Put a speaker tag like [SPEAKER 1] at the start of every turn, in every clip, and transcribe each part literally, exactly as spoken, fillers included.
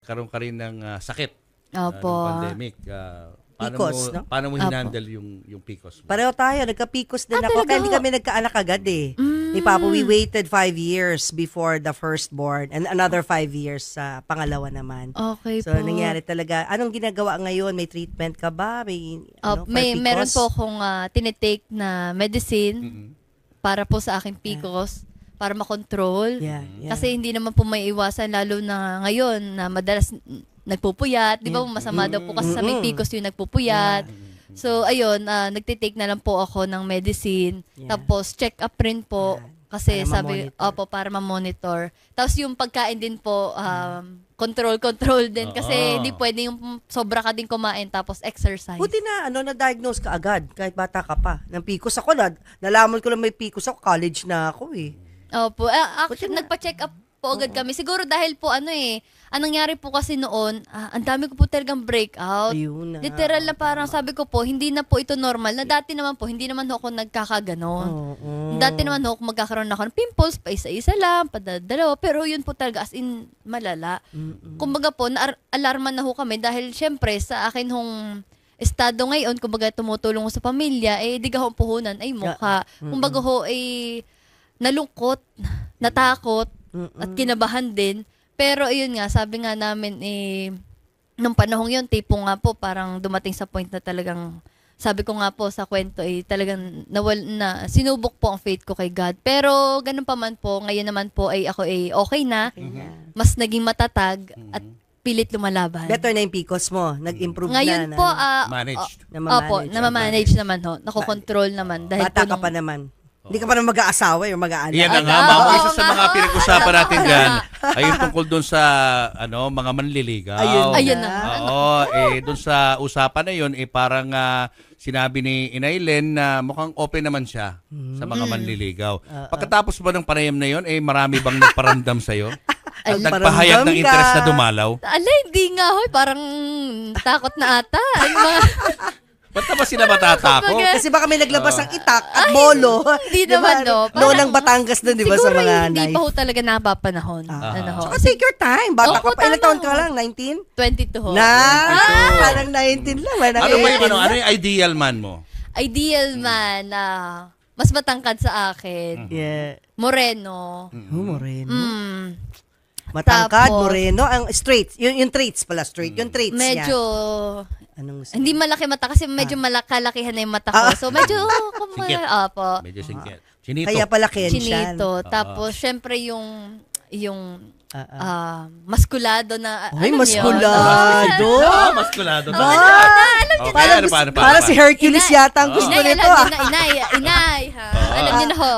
[SPEAKER 1] Karoon ka rin ng uh, sakit
[SPEAKER 2] Opo.
[SPEAKER 1] uh, ng pandemic. Uh, paano
[SPEAKER 3] P C O S,
[SPEAKER 1] mo,
[SPEAKER 3] no?
[SPEAKER 1] paano mo
[SPEAKER 2] Opo.
[SPEAKER 1] hinandle yung, yung P C O S mo?
[SPEAKER 3] Pareho tayo, nagka-P C O S din
[SPEAKER 2] Ah,
[SPEAKER 3] ako.
[SPEAKER 2] talaga?
[SPEAKER 3] Kaya hindi kami nagkaanak agad eh.
[SPEAKER 2] Mm.
[SPEAKER 3] Ni Papa, we waited five years before the firstborn and another five years sa pangalawa naman.
[SPEAKER 2] Okay
[SPEAKER 3] So,
[SPEAKER 2] po.
[SPEAKER 3] nangyari talaga. Anong ginagawa ngayon? May treatment ka ba? May,
[SPEAKER 2] Oh,
[SPEAKER 3] ano, for
[SPEAKER 2] may
[SPEAKER 3] P C O S?
[SPEAKER 2] meron po akong uh, tinitake na medicine
[SPEAKER 1] Mm-mm.
[SPEAKER 2] para po sa aking P C O S para makontrol.
[SPEAKER 3] Yeah, yeah.
[SPEAKER 2] Kasi hindi naman po may iwasan lalo na ngayon na madalas n- nagpupuyat. Di ba masama daw po kasi sa may P C O S yung nagpupuyat. So, ayun, ah, nagtitake na lang po ako ng medicine.
[SPEAKER 3] Yeah.
[SPEAKER 2] Tapos, check up rin po.
[SPEAKER 3] Yeah.
[SPEAKER 2] Kasi
[SPEAKER 3] Para
[SPEAKER 2] sabi,
[SPEAKER 3] ma-monitor.
[SPEAKER 2] opo, para ma-monitor. Tapos yung pagkain din po, um, control-control din. Kasi
[SPEAKER 1] Oo.
[SPEAKER 2] hindi pwede yung sobra ka din kumain tapos exercise.
[SPEAKER 3] Buti na, ano, na-diagnose ka agad, kahit bata ka pa. Ng P C O S ako, na, nalaman ko lang may P C O S ako, college na ako eh.
[SPEAKER 2] Opo. Ah, actually,
[SPEAKER 3] Buti na.
[SPEAKER 2] nagpa-check up po agad kami. Siguro dahil po ano eh, anong nangyari po kasi noon, ah, ang dami ko po talagang breakout.
[SPEAKER 3] Ayun na.
[SPEAKER 2] Literal na parang sabi ko po, hindi na po ito normal. Na dati naman po, hindi naman ho ako nagkakaganon.
[SPEAKER 3] Oo.
[SPEAKER 2] Dati naman ho, kung magkakaroon ako ng pimples, pa isa-isa lang, padadalawa. Pero yun po talaga, as in, malala. Kumbaga po, na-alarma na ho kami dahil syempre, sa akin hong estado ngayon, kumbaga tumutulong ko sa pamilya, eh, di ka ho ang puhunan, ay mukha. Kumbaga ho, eh, nalungkot, natakot, at kinabahan din. Pero ayun nga, sabi nga namin, eh, nung panahong yun, tipo nga po, parang dumating sa point na talagang, sabi ko nga po sa kwento, eh, talagang nawal, na, sinubok po ang faith ko kay God. Pero ganun pa man po, ngayon naman po ay ako ay okay na, mas naging matatag, at pilit lumalaban.
[SPEAKER 3] Better na yung P C O S mo. Nag-improve
[SPEAKER 2] Ngayon
[SPEAKER 3] na.
[SPEAKER 2] po,
[SPEAKER 3] na,
[SPEAKER 2] ah,
[SPEAKER 1] Managed.
[SPEAKER 2] o- opo,
[SPEAKER 3] Namamanage.
[SPEAKER 2] namamanage naman ho, nakokontrol naman. Dahil
[SPEAKER 3] bata
[SPEAKER 2] po
[SPEAKER 3] ka
[SPEAKER 2] nung-
[SPEAKER 3] pa naman. Hindi ka pa naman mag-aasawa o mag-aanak.
[SPEAKER 1] Yan na
[SPEAKER 2] Ah,
[SPEAKER 1] nga,
[SPEAKER 2] oo,
[SPEAKER 1] mamo.
[SPEAKER 2] oo
[SPEAKER 1] Isa sa
[SPEAKER 2] nga,
[SPEAKER 1] mga
[SPEAKER 2] oo.
[SPEAKER 1] pinag-usapan natin
[SPEAKER 2] Tama
[SPEAKER 1] dyan
[SPEAKER 2] nga.
[SPEAKER 1] ay yung tungkol doon sa ano mga manliligaw.
[SPEAKER 3] Ayun na.
[SPEAKER 2] Ayun na.
[SPEAKER 1] Oo, eh doon sa usapan na yun, eh parang ah, sinabi ni Inaylen na mukhang open naman siya sa mga manliligaw. Pagkatapos ba ng panayam na yun, eh marami bang nagparamdam sa'yo?
[SPEAKER 2] Ay,
[SPEAKER 1] Nagpahayag ng
[SPEAKER 3] paramdam
[SPEAKER 1] interest
[SPEAKER 3] ka.
[SPEAKER 1] na dumalaw?
[SPEAKER 2] Ala, hindi nga ho, parang takot na ata. Yung mga,
[SPEAKER 1] Ba't na ba sila matatakot?
[SPEAKER 2] Kumbaga,
[SPEAKER 3] Kasi baka may naglabas ng itak at bolo.
[SPEAKER 2] hindi
[SPEAKER 3] Di
[SPEAKER 2] naman,
[SPEAKER 3] ba?
[SPEAKER 2] no.
[SPEAKER 3] Noon
[SPEAKER 2] Parang-
[SPEAKER 3] ng Batangas doon, di ba, sa
[SPEAKER 2] siguro
[SPEAKER 3] mga
[SPEAKER 2] hindi
[SPEAKER 3] knife.
[SPEAKER 2] pa ho talaga napapanahon.
[SPEAKER 3] Ah.
[SPEAKER 2] Ano ho?
[SPEAKER 3] Saka take your time. Bata
[SPEAKER 2] Opo,
[SPEAKER 3] ka pa. Ilang
[SPEAKER 2] tama
[SPEAKER 3] taon ka
[SPEAKER 2] ho.
[SPEAKER 3] lang? nineteen?
[SPEAKER 2] twenty-two ho.
[SPEAKER 3] Na! Parang nineteen lang. Parang
[SPEAKER 1] Ano ba yung
[SPEAKER 3] eighteen
[SPEAKER 1] ano,
[SPEAKER 3] lang.
[SPEAKER 1] ano yung ideal man mo?
[SPEAKER 2] Ideal man na mas matangkad sa akin.
[SPEAKER 3] Yeah.
[SPEAKER 2] Moreno.
[SPEAKER 3] Oh, moreno.
[SPEAKER 2] Mm.
[SPEAKER 3] Matangkad,
[SPEAKER 2] Tapos-
[SPEAKER 3] moreno. Ang straight. Yung, yung traits pala, straight. Yung traits
[SPEAKER 2] Medyo,
[SPEAKER 3] niya. Anong gusto?
[SPEAKER 2] hindi malaki mata kasi medyo malakalakihan na yung mata ko.
[SPEAKER 3] Ah.
[SPEAKER 2] So medyo, kung
[SPEAKER 1] Singkit.
[SPEAKER 2] opo.
[SPEAKER 1] Medyo singkit. Chinito.
[SPEAKER 3] Kaya pala Kenshan.
[SPEAKER 2] Chinito. Tapos, syempre yung, yung,
[SPEAKER 3] Ah, ah.
[SPEAKER 2] ah, maskulado na,
[SPEAKER 3] Ay,
[SPEAKER 2] alam niyo?
[SPEAKER 3] maskulado.
[SPEAKER 1] Ah, maskulado.
[SPEAKER 3] Ba?
[SPEAKER 1] Okay,
[SPEAKER 3] Parang,
[SPEAKER 1] ano, paano, paano,
[SPEAKER 3] parang si
[SPEAKER 1] paano?
[SPEAKER 3] Hercules
[SPEAKER 2] Inay-
[SPEAKER 3] yata ang gusto
[SPEAKER 2] Inay,
[SPEAKER 3] nito.
[SPEAKER 2] alam
[SPEAKER 3] Ah.
[SPEAKER 2] niyo na, inay, inay, ha? Alam niyo na ho.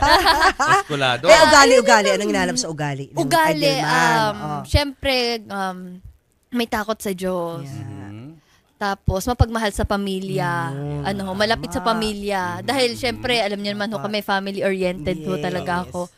[SPEAKER 1] Maskulado.
[SPEAKER 3] Eh, ugali, ugali. Anong inalam sa ugali? Ng
[SPEAKER 2] Ugali,
[SPEAKER 3] ideal man?
[SPEAKER 2] um,
[SPEAKER 3] Oo.
[SPEAKER 2] syempre, um, may takot sa Diyos.
[SPEAKER 1] Mhm.
[SPEAKER 2] Tapos, mapagmahal sa pamilya. ano ho, malapit sa pamilya. Dahil, syempre, alam niyo naman ho, kami family-oriented ho
[SPEAKER 3] Yes.
[SPEAKER 2] talaga ako.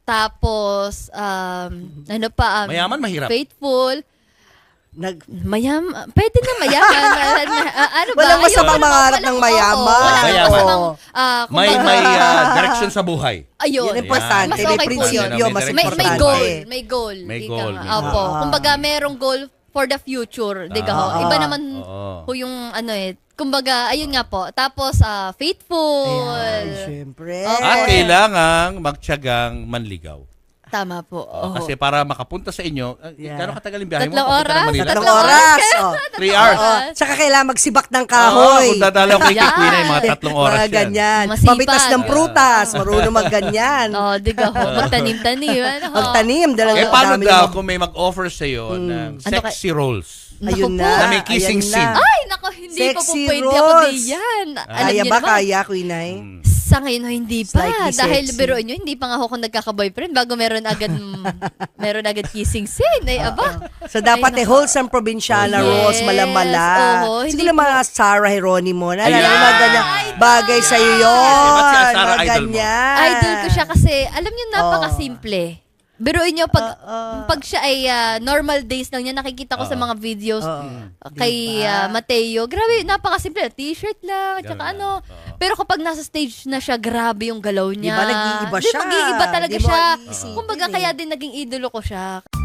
[SPEAKER 2] Tapos, um, ano pa, um,
[SPEAKER 1] Mayaman, mahirap.
[SPEAKER 2] faithful.
[SPEAKER 3] Nag,
[SPEAKER 2] Mayam, pwede na mayaman. Ah, ano ba?
[SPEAKER 3] Walang masamang
[SPEAKER 2] Ayun,
[SPEAKER 3] mangarap
[SPEAKER 2] walang-
[SPEAKER 3] ng mayaman.
[SPEAKER 2] oo, walang
[SPEAKER 1] Mayaman.
[SPEAKER 2] masamang, ah,
[SPEAKER 1] May
[SPEAKER 2] kumbaga-
[SPEAKER 1] may ah, direction sa buhay.
[SPEAKER 2] Ayun.
[SPEAKER 3] yun importante.
[SPEAKER 2] Mas
[SPEAKER 3] May
[SPEAKER 2] okay po
[SPEAKER 3] prinsipyo,
[SPEAKER 1] yun.
[SPEAKER 3] mas
[SPEAKER 1] May-
[SPEAKER 2] May,
[SPEAKER 3] importante.
[SPEAKER 2] may goal. May goal.
[SPEAKER 1] May
[SPEAKER 2] Ika
[SPEAKER 1] goal,
[SPEAKER 2] nga.
[SPEAKER 1] may
[SPEAKER 2] Opo.
[SPEAKER 3] goal.
[SPEAKER 2] Kumbaga, merong goal for the future. Di ka ho?
[SPEAKER 3] Ah.
[SPEAKER 2] Iba naman
[SPEAKER 1] Oo.
[SPEAKER 2] po yung ano eh. Kumbaga, ayun nga po. Tapos, ah, faithful.
[SPEAKER 3] Ayan, syempre.
[SPEAKER 2] Okay.
[SPEAKER 1] At kailangang magtiyagang manligaw.
[SPEAKER 2] Tama po.
[SPEAKER 1] Oh,
[SPEAKER 2] Oo.
[SPEAKER 1] kasi para makapunta sa inyo, uh,
[SPEAKER 3] Yeah.
[SPEAKER 1] gano'ng katagal yung biyahe mo?
[SPEAKER 2] Tatlong
[SPEAKER 1] Papunta ng
[SPEAKER 2] oras?
[SPEAKER 1] Manila?
[SPEAKER 3] Tatlong
[SPEAKER 2] Tatlong
[SPEAKER 3] oras. Oh.
[SPEAKER 1] Three hours.
[SPEAKER 3] Oo. Tsaka kailangan magsibak ng
[SPEAKER 1] Oo,
[SPEAKER 3] kahoy.
[SPEAKER 1] kung dadalaw kay
[SPEAKER 2] Yan.
[SPEAKER 1] Kikwi na yung mga tatlong oras
[SPEAKER 3] Mga
[SPEAKER 1] yan.
[SPEAKER 3] ganyan.
[SPEAKER 2] Masipag.
[SPEAKER 3] Papitas ng prutas. Marunong magganyan.
[SPEAKER 2] Oh, di ka ho. Magtanim-tanim. Ano ho?
[SPEAKER 3] Magtanim. Dalawa,
[SPEAKER 1] Eh, paano
[SPEAKER 3] dami
[SPEAKER 1] daw
[SPEAKER 3] naman.
[SPEAKER 1] kung may mag-offer sa'yo ng
[SPEAKER 2] Ano ka-
[SPEAKER 1] sexy rolls?
[SPEAKER 3] Ayun
[SPEAKER 2] Naku
[SPEAKER 3] na.
[SPEAKER 2] po.
[SPEAKER 1] Na may kissing
[SPEAKER 3] ayan
[SPEAKER 1] scene.
[SPEAKER 3] na.
[SPEAKER 2] Ay, nako, hindi pa po
[SPEAKER 3] Sexy
[SPEAKER 2] pwede ako
[SPEAKER 3] rolls.
[SPEAKER 2] diyan. Alam
[SPEAKER 3] Kaya
[SPEAKER 2] niyo
[SPEAKER 3] ba?
[SPEAKER 2] naman.
[SPEAKER 3] Kaya, Quinay?
[SPEAKER 1] Hmm.
[SPEAKER 2] Sa ngayon ho, hindi pa.
[SPEAKER 3] Slightly
[SPEAKER 2] Dahil
[SPEAKER 3] sexy.
[SPEAKER 2] biruin nyo, hindi pa nga ako nagkaka-boyfriend bago meron agad meron agad kissing scene. Ay, aba.
[SPEAKER 3] So, dapat
[SPEAKER 2] Ay,
[SPEAKER 3] eh,
[SPEAKER 2] nako.
[SPEAKER 3] wholesome provinciana
[SPEAKER 2] Yes.
[SPEAKER 3] rolls, malamala.
[SPEAKER 2] Oo, hindi
[SPEAKER 3] Siguro
[SPEAKER 2] po-
[SPEAKER 3] mga Sarah Geronimo na.
[SPEAKER 1] Ayan.
[SPEAKER 3] Alam mo, mga ganyan. Bagay sa'yo yun.
[SPEAKER 1] Yes, ba't si Sarah
[SPEAKER 3] Mga
[SPEAKER 1] idol mo?
[SPEAKER 3] ganyan.
[SPEAKER 2] Idol ko siya kasi, alam niyo, napaka-simple. Biruin nyo, pag,
[SPEAKER 3] Oo.
[SPEAKER 2] pag siya ay ah, normal days lang niya, nakikita ko sa mga videos
[SPEAKER 3] Oo.
[SPEAKER 2] kay
[SPEAKER 3] Diba?
[SPEAKER 2] ah, Mateo. Grabe, napaka-simple. T-shirt lang, at saka
[SPEAKER 1] Ganun
[SPEAKER 2] ano.
[SPEAKER 1] lang. Oo.
[SPEAKER 2] Pero kapag nasa stage na siya, grabe yung galaw niya.
[SPEAKER 3] Diba, nag-iiba
[SPEAKER 2] Di,
[SPEAKER 3] siya.
[SPEAKER 2] Mag-iiba talaga
[SPEAKER 3] Di mo
[SPEAKER 2] siya.
[SPEAKER 3] iisipin
[SPEAKER 2] Kumbaga,
[SPEAKER 3] eh.
[SPEAKER 2] kaya din naging idolo ko siya.